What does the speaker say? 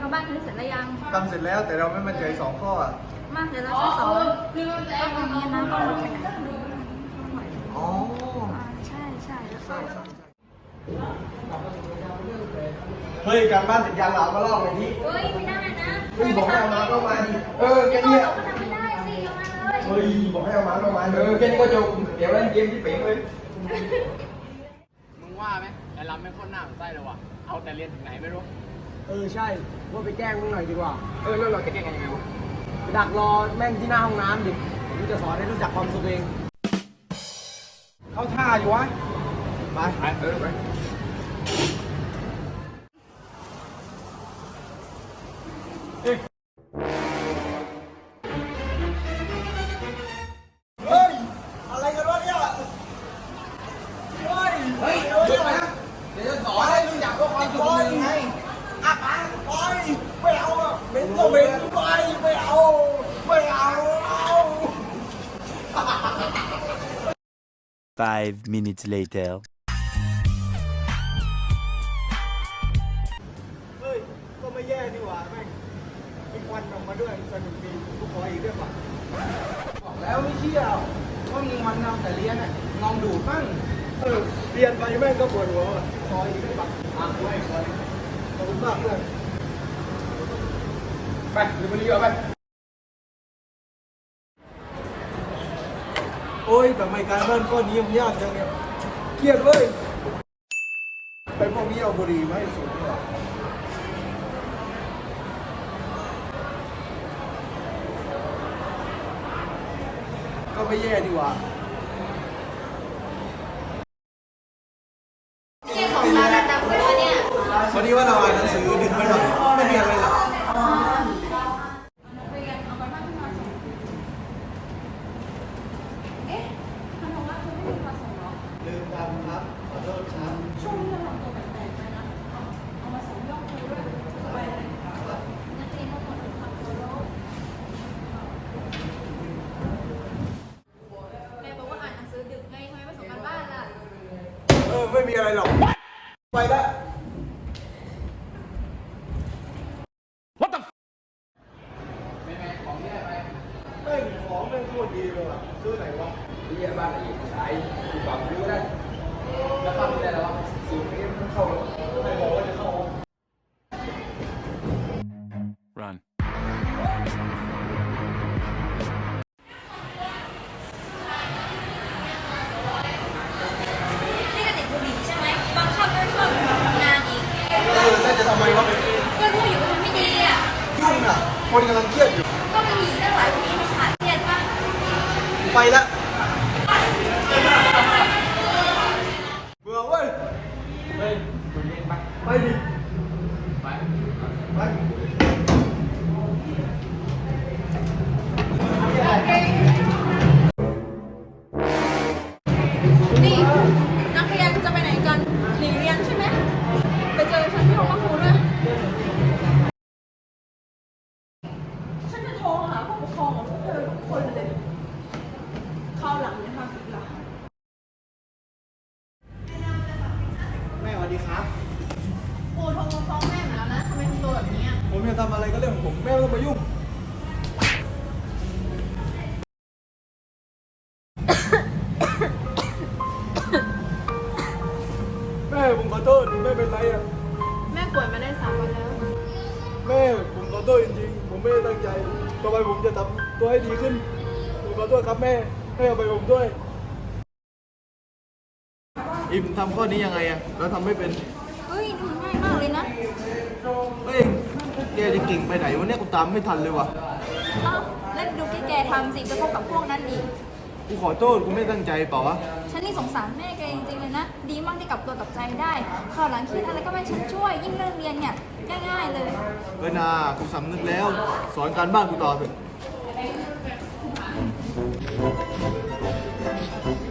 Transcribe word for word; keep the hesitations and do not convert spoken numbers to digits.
แล้วบ้านนี้เสร็จแล้วยังทำเสร็จแล้วแต่เราไม่มั่นใจสองข้ออ่ะมาเดี๋ยวเราช่วยสอนก็ตรงนี้นะต้องไปไหนอ๋อใช่ใช่แล้วก็เฮ้ยการบ้านเสร็จยังเรามาลอกเลยที่เฮ้ยไม่ได้นะเฮ้ยบอกให้เอามาก็มาดิเออแค่นี้เราก็ทำไม่ได้สิเอามาเลยเฮ้ยบอกให้เอามาก็มาเออแค่นี้ก็จบเดี๋ยวเล่นเกมที่ปิ๊งเลยมึงว่าไหมแต่เราไม่โคตรหน้าเหมือนไส้เลยว่ะเอาแต่เรียนถึงไหนไม่รู้เออใช่ว่าไปแกล้งมึงหน่อยดีกว่าเออแล้วเราจะแก้กันยังไงวะไปดักรอแม่งที่หน้าห้องน้ำดิผมจะสอนให้รู้จักความสุขเองเข้าท่าอยู่วะไปไปเออไปเฮ้ยอะไรกันวะเนี่ยเฮ้ยเฮ้ยหยุดนะเดี๋ยวจะสอนให้รู้จักว่าความสุขเป็นยังไงอ่ะไปไปไม่เอาอ่ะเป็นก็เป็นไปไม่เอาไม่เอา Five minutes later. เฮ้ยก็ไม่แย่นี่หว่าแม่งมีควันออกมาด้วยสนุกดีกูขออีกด้วยป่ะบอกแล้วไม่เชื่อว่ามึงมันนำแต่เรียนน่ะลองดูบ้างเออเรียนไปแม่งก็ปวดหัวอ่ะขออีกด้วยป่ะอ่ะด้วยขอขอบคุณมากเลยไปเดี๋ยวไปเรียนไปโอ้ยทำไมการบ้านข้อนี้มันยากจังเนี่ยเครียดเว้ยไปพวกนี้เอาบุหรี่มาให้สูบดีกว่าก็ไม่แย่ดีกว่านี่ของร้านดังๆเลยเนี่ยพอดีว่าเราอ่านหนังสือดึกไปหน่อยไม่มีอะไรหรอกลืมทำครับขอโทษครับช่วงนี้เราทำตัวแปลกๆไปนะเอามาส่งยอดครูด้วยไปเลยนักเรียนทั้งหมดทำตัวโลกแม่บอกว่าอ่านหนังสือดึกไงทำไมไม่ส่งกันบ้านล่ะเออไม่มีอะไรหรอกไปละ What the ไม่ไม่ของแย่ไปแม่งของแม่งโคตรดีเลยว่ะซื้อไหนวะเรียนบ้านอะไรอีกสายกูฟังรู้ได้แล้วเข้าไม่ได้แล้ววะสูตรนี้มันเข้าใครบอกว่าจะเข้า Run. นี่ก็ติดบุหรี่ใช่ไหมบางคาบก็ชอบทำงานอีกเออแล้วจะทำไมวะก็รู้อยู่ว่ามันไม่ดีอ่ะยุ่งอ่ะคนกำลังเครียดอยู่ก็มันมีตั้งหลายปีมันขาดเครียดป่ะไปละเบื่อเว้ยเฮ้ยคุณเรียนไปไปดิไปไปนี่นักเรียนจะไปไหนกันหนีเรียนใช่ไหมไปเจอฉันที่ห้องครูด้วยฉันจะโทรหาผู้ปกครองของพวกเธอทุกคนเลยคราวหลังเนี่ยทำอีกหลังแม่สวัสดีครับครูโทรมาฟ้องแม่มาแล้วนะทำไมทำตัวแบบนี้อ่ะผมจะทำอะไรก็เรื่องของผมแม่ไม่ต้องมายุ่งแม่ผมขอโทษแม่เป็นไรอ่ะแม่ป่วยมาได้สามวันแล้วแม่ผมขอโทษจริงๆผมไม่ได้ตั้งใจต่อไปผมจะทำตัวให้ดีขึ้นผมขอโทษครับแม่ให้อภัยผมด้วยอิมทำข้อนี้ยังไงอะแล้วทำไม่เป็นเฮ้ยทำง่ายมากเลยนะเฮ้ยแกจะเก่งไปไหนวันนี้กูตามไม่ทันเลยว่ะอ้าวแล้วดูที่แกทำสิจะพบกับพวกนั้นอีกกูขอโทษกูไม่ตั้งใจเปล่าวะฉันนี่สงสารแม่แกจริงๆเลยนะดีมากที่กลับตัวกลับใจได้คราวหลังคิดอะไรก็ไม่ฉันช่วยยิ่งเรื่องเรียนเนี่ยง่ายๆเลยเออนากูสำนึกแล้วสอนการบ้านกูต่อเถอะ